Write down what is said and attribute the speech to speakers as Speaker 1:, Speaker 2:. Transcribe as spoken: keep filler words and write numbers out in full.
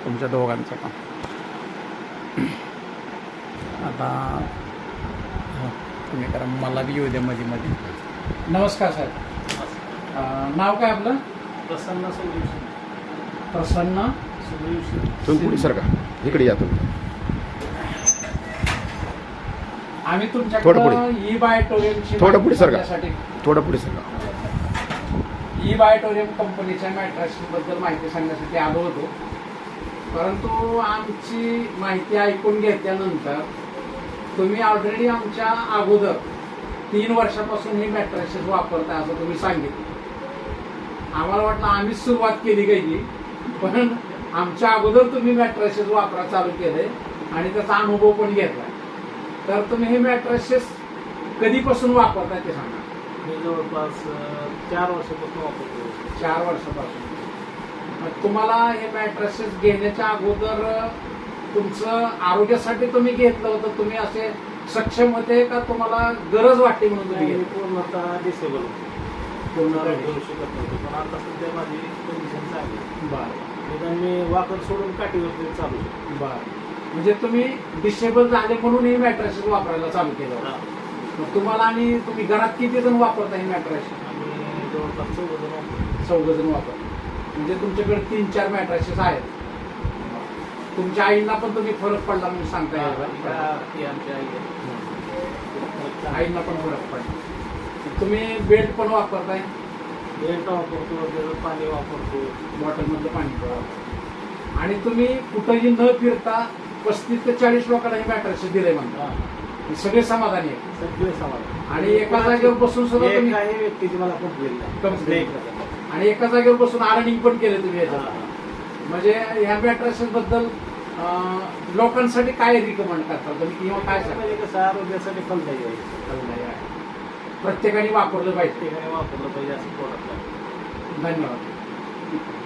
Speaker 1: तुमच्या दोघांचं पण. आता हो, तुम्ही करा, मला बी येऊ द्या मध्ये मध्ये. नमस्कार साहेब. अं, नाव काय आपलं?
Speaker 2: प्रसन्न सोल्युशन.
Speaker 1: प्रसन्न
Speaker 2: सोल्युशन.
Speaker 3: तुम्ही पुढे सर का इकडे या तुम्ही.
Speaker 1: आम्ही
Speaker 3: थोडं
Speaker 1: तुमच्याकडे
Speaker 3: पुढे.
Speaker 1: ई बायोटोरियमची
Speaker 3: थोडं पुढे सर का.
Speaker 1: माहिती
Speaker 3: थोडं पुढे सर का.
Speaker 1: ई बायोटोरियम कंपनीच्या मॅट्रेस बद्दल माहिती सांगण्यासाठी आलो होतो. परंतु आमची माहिती ऐकून घेतल्यानंतर तुम्ही ऑलरेडी आमच्या अगोदर तीन वर्षापासून ही मॅट्रेसेस वापरताय असं तुम्ही सांगितलं. आम्हाला वाटलं आम्हीच सुरुवात केली काही, पण आमच्या अगोदर तुम्ही मॅट्रेसेस वापरा चालू केले आणि त्याचा अनुभव पण घेतला. तर तुम्ही हे मॅट्रेसेस कधीपासून वापरताय ते सांगा.
Speaker 2: मी जवळपास चार वर्षापासून वापरतो.
Speaker 1: चार वर्षापासून. मग तुम्हाला हे मॅट्रेसेस घेण्याच्या अगोदर तुमचं आरोग्यासाठी तुम्ही घेतलं होतं, तुम्ही असे सक्षम होते का तुम्हाला गरज वाटते म्हणून तुम्ही
Speaker 2: मी
Speaker 1: घेतलं?
Speaker 2: पूर्णतः डिसेबल होतो.
Speaker 1: पूर्ण
Speaker 2: करू शकत नव्हतो, पण आता सध्या माझी कंडिशन चांगली आहे.
Speaker 1: बरं
Speaker 2: निदान मी वाकर सोडून काठीवरती चालू शकतो.
Speaker 1: बरं. म्हणजे तुम्ही डिसेबल झाले म्हणून हे मॅट्रेसेस वापरायला चालू केलं होतं.
Speaker 2: हा.
Speaker 1: मग तुम्हाला आणि तुम्ही घरात किती जण वापरता हे मॅट्रेसेस?
Speaker 2: आम्ही जवळपास चौघ जण वापरतो.
Speaker 1: चौघ जण वापरता. म्हणजे तुमच्याकडे तीन चार मॅट्रेसेस आहेत. तुमच्या आईंना पण तुम्ही फरक पडला म्हणून सांगता येईल.
Speaker 2: ती आमची आई आहे.
Speaker 1: आईंना पण फरक पडला. तुम्ही बेल्ट पण वापरताय?
Speaker 2: बेल्ट वापरतो, त्याचं पाणी वापरतो.
Speaker 1: बॉटलमधलं पाणी पण वापरता. आणि तुम्ही कुठंही न फिरता पस्तीस ते चाळीस लोकांना हे मॅट्रेसेस दिले म्हणता.
Speaker 2: हा.
Speaker 1: हे सगळे समाधानी आहेत.
Speaker 2: सगळे समाधान.
Speaker 1: आणि एका जागेवर बसून सुद्धा तुम्ही
Speaker 2: काही व्यक्तीची मला कंप्लेंट नाही.
Speaker 1: Complaint नाही. आणि एका जागेवर बसून अर्निंग पण केले तुम्ही याच्यात.
Speaker 2: हा.
Speaker 1: म्हणजे ह्या मॅट्रेसेस बद्दल अं, लोकांसाठी काय रिकमेंड करता तुम्ही किंवा काय सांगता?
Speaker 2: म्हणजे कसं आरोग्यासाठी फलदायी आहे.
Speaker 1: प्रत्येकाने वापरलं पाहिजे.
Speaker 2: प्रत्येकाने वापरलं पाहिजे असं प्रोडक्ट आहे.
Speaker 1: धन्यवाद.